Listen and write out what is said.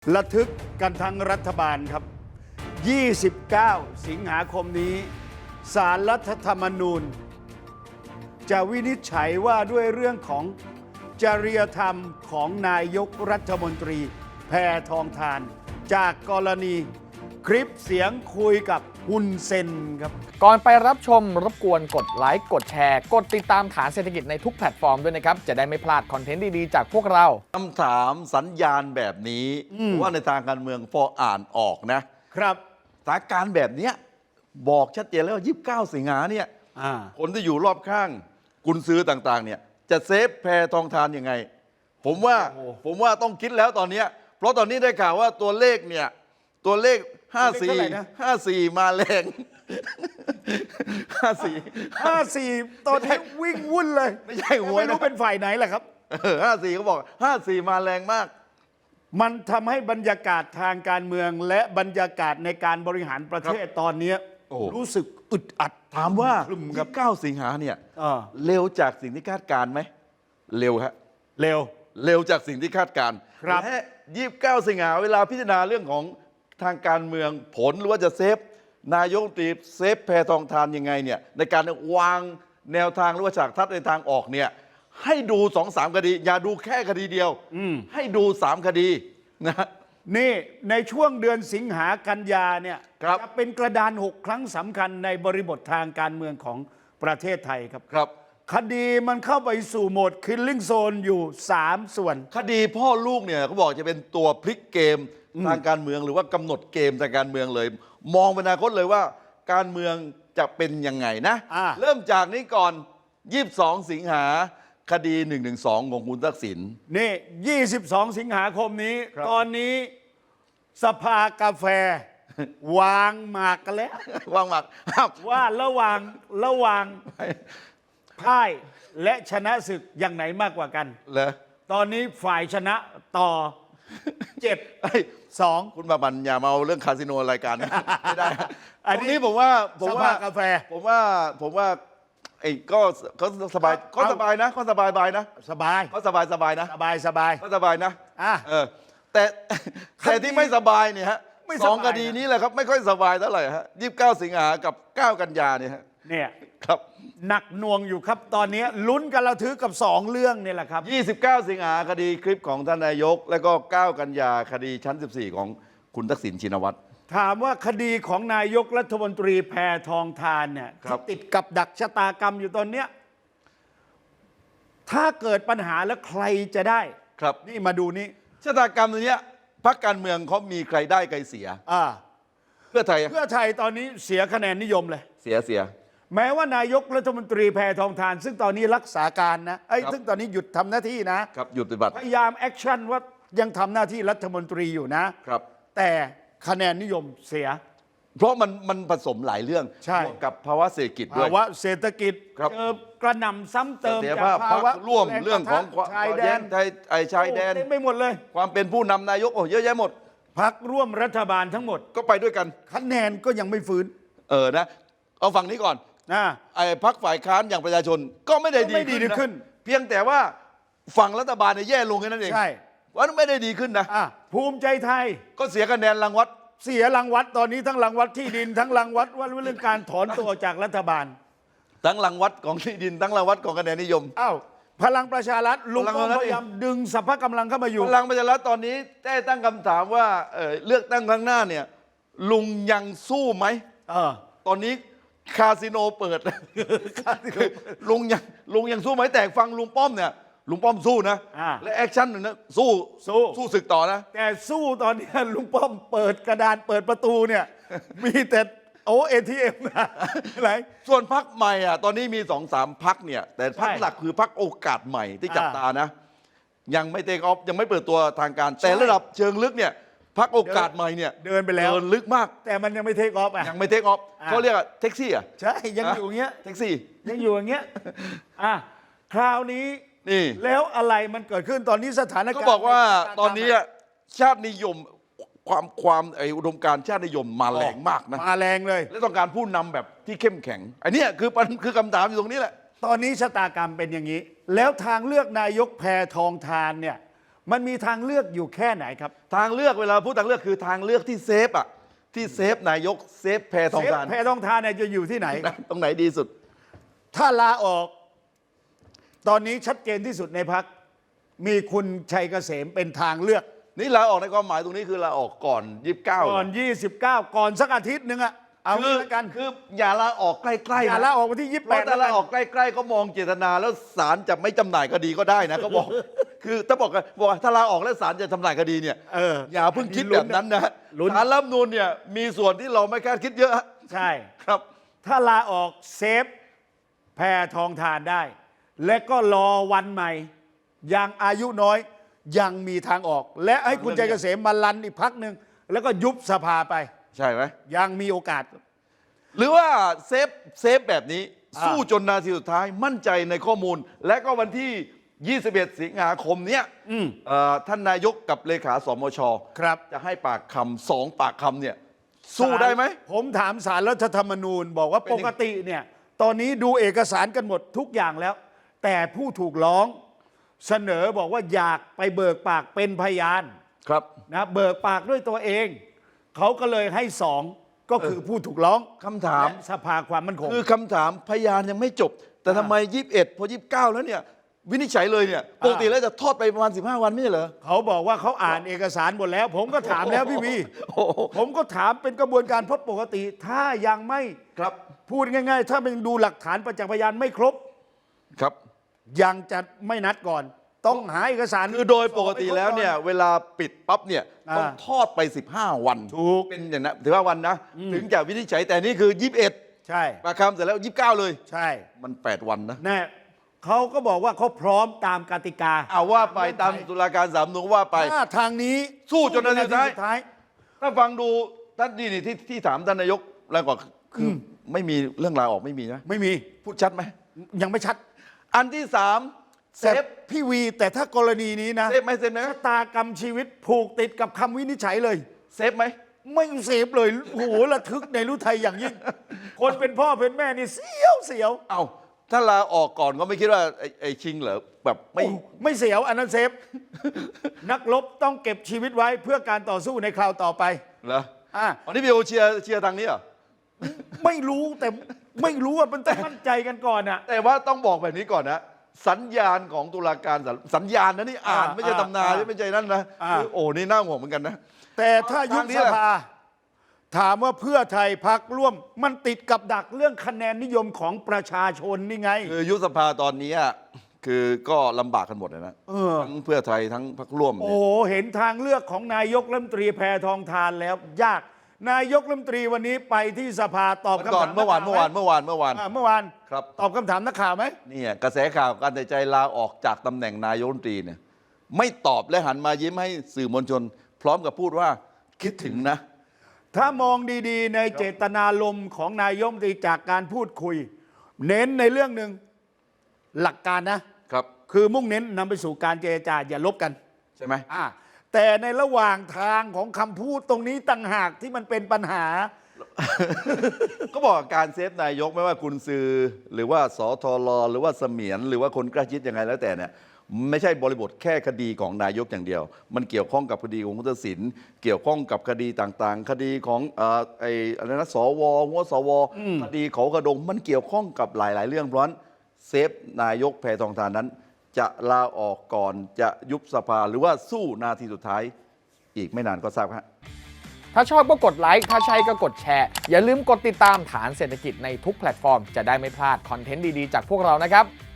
ระทึกกันทั้งรัฐบาลครับ 29 สิงหาคมนี้ศาลรัฐธรรมนูญ จะวินิจฉัยว่าด้วยเรื่องของจริยธรรมของนายกรัฐมนตรีแพทองธารจากกรณีคลิปเสียงคุยกับฮุนเซนครับก่อนไปรับชมรบกวนกดไลค์กดแชร์ กดติดตามฐานเศรษฐกิจในทุกแพลตฟอร์มด้วยนะครับ จะได้ไม่พลาดคอนเทนต์ดีๆจากพวกเราคำถามสัญญาณแบบนี้ว่าในทางการเมืองพออ่านออกนะครับสถานการณ์แบบเนี้ยบอกชัดเจนแล้วว่า29 สิงหาเนี่ยคนที่อยู่รอบข้างกุญซือต่างๆเนี่ยจะเซฟแพทองธารยังไง ผมว่าต้องคิดแล้วตอนเนี้ยเพราะตอนนี้ได้ข่าวว่าตัวเลขเนี่ยตัวเลข54มาแรง 54 ตอนนี้วิ่งวุ่นเลยไม่ใช่หวยไม่รู้เป็นฝ่ายไหนแหละครับ 54เขาบอก54มาแรงมากมันทำให้บรรยากาศทางการเมืองและบรรยากาศในการบริหารประเทศตอนนี้รู้สึกอึดอัดถามว่าครึมครับ 9 สิงหาเนี่ยเร็วเร็วจากสิ่งที่คาดการณ์ไหมเร็วฮะเร็วเร็วจากสิ่งที่คาดการณ์ครับและ29 สิงหาเวลาพิจารณาเรื่องของทางการเมืองผลหรือว่าจะเซฟนายกรัฐมนตรีเซฟแพทองธารยังไงเนี่ยในการวางแนวทางหรือว่าฉากทัศน์ในทางออกเนี่ยให้ดู 2-3 คดี อย่าดูแค่คดีเดียวให้ดู 3 คดีนะนี่ในช่วงเดือนสิงหากันยาเนี่ยครับจะเป็นกระดาน 6 ครั้งสำคัญในบริบททางการเมืองของประเทศไทยครับครับคดีมันเข้าไปสู่โหมดคิลลิ่งโซนอยู่ 3 ส่วนคดีพ่อลูกเนี่ยเขาบอกจะเป็นตัวพลิกเกมทางการเมืองหรือว่ากำหนดเกมทางการเมืองเลย มองไปอนาคตเลยว่าการเมืองจะเป็นยังไงนะ เริ่มจากนี้ก่อน 22 สิงหาคดี 112 ของคุณทักษิณนี่ 22 สิงหาคมนี้ครับตอนนี้สภากาแฟ วางหมากกันแล้วว่างมากครับว่าระหว่างพ่ายและชนะศึกอย่างไหนมากกว่ากันเหรอตอนนี้ฝ่ายชนะต่อเฮ้ย 7-2 คุณบาบันอย่ามาเอาเรื่องคาสิโนรายการนะ ไม่ได้อันตรงนี้นี้ผมว่าสภากาแฟผมว่าไอ้ก็สบายก็สบายนะก็สบายนะสบายก็สบายนะสบายก็สบายนะอ่ะแต่แต่ที่ไม่สบายเนี่ยฮะไม่สบายสองคดีนี้แหละครับไม่ค่อยสบายเท่าไหร่ฮะ29 สิงหากับ 9 กันยาเนี่ยฮะเนี่ยครับหนักหน่วงอยู่ครับตอนนี้ลุ้นกันระทึกกับ 2 เรื่องนี่แหละครับ 29 สิงหาคดีคลิปของท่านนายก แล้วก็ 9 กันยาคดีชั้น 14 ของคุณทักษิณชินวัตรถามว่าคดีของนายกรัฐมนตรีแพทองธารเนี่ยครับที่ติดกับดักชะตากรรมอยู่ตอนเนี้ยถ้าเกิดปัญหาแล้วใครจะได้ครับนี่มาดูนี่ชะตากรรมตัวเนี้ยพรรคการเมืองเขามีใครได้ใครเสีย เพื่อไทยเพื่อไทยตอนนี้เสียคะแนนนิยมเลยเสียแม้ว่านายกรัฐมนตรีแพทองธารซึ่งตอนนี้รักษาการนะซึ่งตอนนี้หยุดทำหน้าที่นะครับหยุดปฏิบัติพยายามแอคชั่นว่ายังทำหน้าที่รัฐมนตรีอยู่นะครับแต่คะแนนนิยมเสียเพราะมันผสมหลายเรื่องใช่บวกกับภาวะเศรษฐกิจด้วยภาวะเศรษฐกิจครับเจอกระหน่ำซ้ำเติมเสถียรจากภาพภาวะพรรคร่วมแเรื่องของปะทะชายแดนชายแดนโอ้เต็มไปหมดเลยความเป็นผู้นำนายกเยอะแยะหมดพักร่วมรัฐบาลทั้งหมดก็ไปด้วยกันคะแนนก็ยังไม่ฟื้นนะเอาฝั่งนี้ก่อนนะไอ้พรรคฝ่ายค้านอย่างประชาชนก็ไม่ได้ก็ไม่ดีดีขึ้นเพียงแต่ว่าฝั่งรัฐบาลเนี่ยแย่ลงแค่นั้นเองใช่ว่าไม่ได้ดีขึ้นนะภูมิใจไทยก็เสียคะแนนรางวัดเสียรังวัดตอนนี้ทั้งรังวัดที่ดิน ทั้งรังวัดว่าเรื่องการถอนตัวออกจากรัฐบาลทั้งรางวัดของที่ดินทั้งรางวัดของคะแนนนิยมอ้าวพลังประชารัฐลุงพลังป้อมประชารัฐพยายามดึงสรรพกำลังเข้ามาอยู่พลังประชารัฐตอนนี้ได้ตั้งคำถามว่าเลือกตั้งครั้งหน้าเนี่ยลุงยังสู้ไหม ตอนนี้คาสิโนเปิด ลุงยังสู้ไหมแต่ฟังลุงป้อมเนี่ยลุงป้อมสู้นะ และแอคชั่นหนึ่งนะสู้ศึกต่อนะแต่สู้ตอนนี้ลุงป้อมเปิดกระดานเปิดประตูเนี่ย มีแต่ATM นะอะไรส่วนพักใหม่ตอนนี้มี2-3พักเนี่ยแต่พักใช่หลักคือพักโอกาสใหม่ที่จับตานะ ยังไม่เทคออฟยังไม่เปิดตัวทางการใช่แต่ระดับเชิงลึกเนี่ยพักโอกาสใหม่เนี่ยเดินไปแล้วเดินลึกมากแต่มันยังไม่เทคออฟอ่ะยังไม่เทคออฟเขาเรียกว่าแท็กซี่ใช่ยังอยู่อย่างเงี้ยแท็กซี่ยังอยู่อย่างเงี้ยคราวนี้นี่แล้วอะไรมันเกิดขึ้นตอนนี้สถานการณ์ก็บอกว่าตอนนี้ชาตินิยมความอุดมการณ์ชาตินิยมมาแรงมากนะมาแรงเลยและต้องการผู้นำแบบที่เข้มแข็งอันเนี้ยคือคำถามอยู่ตรงนี้แหละตอนนี้ชะตากรรมเป็นอย่างนี้ แล้วทางเลือกนายกแพทองธารเนี่ยมันมีทางเลือกอยู่แค่ไหนครับทางเลือกเวลาพูดทางเลือกคือทางเลือกที่เซฟอ่ะที่เซฟนายกเซฟแพทองทานแพทองทานเนี่ยจะอยู่ที่ไหนตรงไหนดีสุดถ้าลาออก ตอนนี้ชัดเจนที่สุดในพรรคมีคุณชัยเกษมเป็นทางเลือกนี่ลาออกในความหมายตรงนี้คือลาออกก่อน 29 ก่อน 29 ก่อนสักอาทิตย์หนึ่งอะเอางี้ละกันคืออย่าลาออกใกล้ๆอย่านะลาออกวันที่เพราะ 28 ถ้าลาออกใกล้ๆก็มองเจตนาแล้วศาลจะไม่จำหน่ายคดีก็ได้นะเขาบอก คือถ้าบอกว่าถ้าลาออกแล้วศาลจะจำหน่ายคดีเนี่ย อย่าเพิ่งคิดแบบนั้นนะลุ้นศาลรัฐธรรมนูญเนี่ยมีส่วนที่เราไม่คาดคิดเยอะใช่ครับถ้าลาออกเซฟแพทองทานได้ และก็รอวันใหม่ ยังอายุน้อยยังมีทางออก และให้คุณชัยเกษมมาลันอีกพักหนึ่งแล้วก็ยุบสภาไปใช่ไหมยังมีโอกาสหรือว่าเซฟแบบนี้อ่าสู้จนนาทีสุดท้ายมั่นใจในข้อมูล และก็วันที่ 21 สิงหาคมเนี้ยท่านนายกกับเลขาสมชครับจะให้ปากคำสองปากคำเนี่ยสู้ได้ไหมผมถามศาลรัฐธรรมนูญบอกว่าเป็นปยังกติเนี่ยตอนนี้ดูเอกสารกันหมดทุกอย่างแล้ว แต่ผู้ถูกร้องเสนอบอกว่าอยากไปเบิกปากเป็นพยานครับนะเบิกปากด้วยตัวเอง เขาก็เลยให้สองก็คือผู้ถูกร้องคำถามและสภาความมั่นคงคือคำถามพยานยังไม่จบ แต่ทำไม 21 พอ 29 แล้วเนี่ยวินิจฉัยเลยเนี่ยปกติแล้วจะทอดไปประมาณ 15 วันไม่ใช่เหรอเขาบอกว่าเขาอ่านเอกสารหมดแล้ว ผมก็ถามแล้วพี่วีโอ้โหผมก็ถามเป็นกระบวนการเพราะปกติ ถ้ายังไม่ครับพูดง่าย ๆ ถ้าเป็นดูหลักฐานประจักษ์พยานไม่ครบครับยังจะไม่นัดก่อน ต้องหาเอกสารคือโดยปกติแล้วเนี่ยเวลาปิดปั๊บเนี่ยต้องอ่าทอดไป 15 วันถูกเป็นอย่างนั้นถือว่าวันนะ ถึงจะวินิจฉัยแต่นี่คือ 21 ใช่ปากคำเสร็จแล้ว 29 เลยใช่มัน 8 วันนะแน่เขาก็บอกว่าเขาพร้อมตามกติกาเอาว่าไปตามตุลาการสามนุว่าไปถ้าทางนี้สู้จนนาทีสุดท้ายสุดท้ายถ้าฟังดูท่านนี่ที่ถามท่านนายกแล้วก็คือไม่มีเรื่องลาออกไม่มีนะไม่มีพูดชัดไหมยังไม่ชัดอันที่สามเซแต่ฟพี่วีแต่ถ้ากรณีนี้นะเซฟไหมเซฟไหมชะตากรรมชีวิตผูกติดกับคำวินิจฉัยเลยเซฟไหมไม่เสพเลยโอ้โหระทึกในรู้ไทยอย่างยิ่ง คนเป็นพ่อเป็นแม่นี่เสียวเอาถ้าลาออกก่อนก็ไม่คิดว่าไอ้ชิงเหรอแบบไม่ไม่เสียวอันนั้นเซฟ นักรบต้องเก็บชีวิตไว้เพื่อการต่อสู้ในคราวต่อไปเหรออ่ะอันนี้พี่โอเชียร์ทางนี้เหรอไม่รู้แต่ไม่รู้ว่ามันต้องมั่นใจกันก่อนอ่ะแต่ว่าต้องบอกแบบนี้ก่อนนะ สัญญาณของตุลาการสัญญาณนะนี่อ่านไม่ใช่ตำนานไม่ใช่นั่นนะคือโอ้นี่น่าห่วงเหมือนกันนะแต่ถ้ายุบสภาถามว่าเพื่อไทยพักร่วม มันติดกับดักเรื่องคะแนนนิยมของประชาชนนี่ไงคือยุบสภาตอนนี้คือก็ลำบากกันหมดเลยนะทั้งเพื่อไทยทั้งพรรคร่วมโอ้เนี่ยโหเห็นทางเลือกของนายกรัฐมนตรีแพทองทานแล้ว ยาก นายกรัฐมนตรีวันนี้ไปที่สภาตอบคำก่อถาน มเมื่อวานกข่ไหเมื่อวานเมื่อวานครับตอบคำถามนักข่าวไหมเนี่ยกระแสข่าวการตัดสินใจลาออกจากตำแหน่งนายกรัฐมนตรีเนี่ยไม่ตอบและหันมายิ้มให้สื่อมวลชน พร้อมกับพูดว่าคิดถึงนะถ้ามองดีๆ ในเจตนารมณ์ของนายกรัฐมนตรีจากการพูดคุย เน้นในเรื่องหนึ่งหลักการนะครับคือมุ่งเน้นนำไปสู่การเจรจาอย่าลบกันใช่ไหมแต่ในระหว่างทางของคำพูดตรงนี้ต่างหากที่มันเป็นปัญหาก็บอกว่าการเซฟนายกไม่ว่ากุญซือหรือว่าสทรหรือว่าเสมียนหรือว่าคนใกล้ชิดยังไงแล้วแต่เนี่ยไม่ใช่บริบทแค่คดีของนายกอย่างเดียว มันเกี่ยวข้องกับคดีของคุณทักษิณเกี่ยวข้องกับคดีต่างๆ คดีของอะไรนะสวหัวสวคดีเขากระดงมันเกี่ยวข้องกับหลาย ๆ เรื่องเพราะฉะนั้นเซฟนายกแพทองทานนั้น จะลาออกก่อนจะยุบสภาหรือว่าสู้นาทีสุดท้ายอีกไม่นานก็ทราบครับถ้าชอบก็กดไลค์ถ้าใช่ก็กดแชร์ อย่าลืมกดติดตามฐานเศรษฐกิจในทุกแพลตฟอร์ม จะได้ไม่พลาดคอนเทนต์ดีๆจากพวกเรานะครับ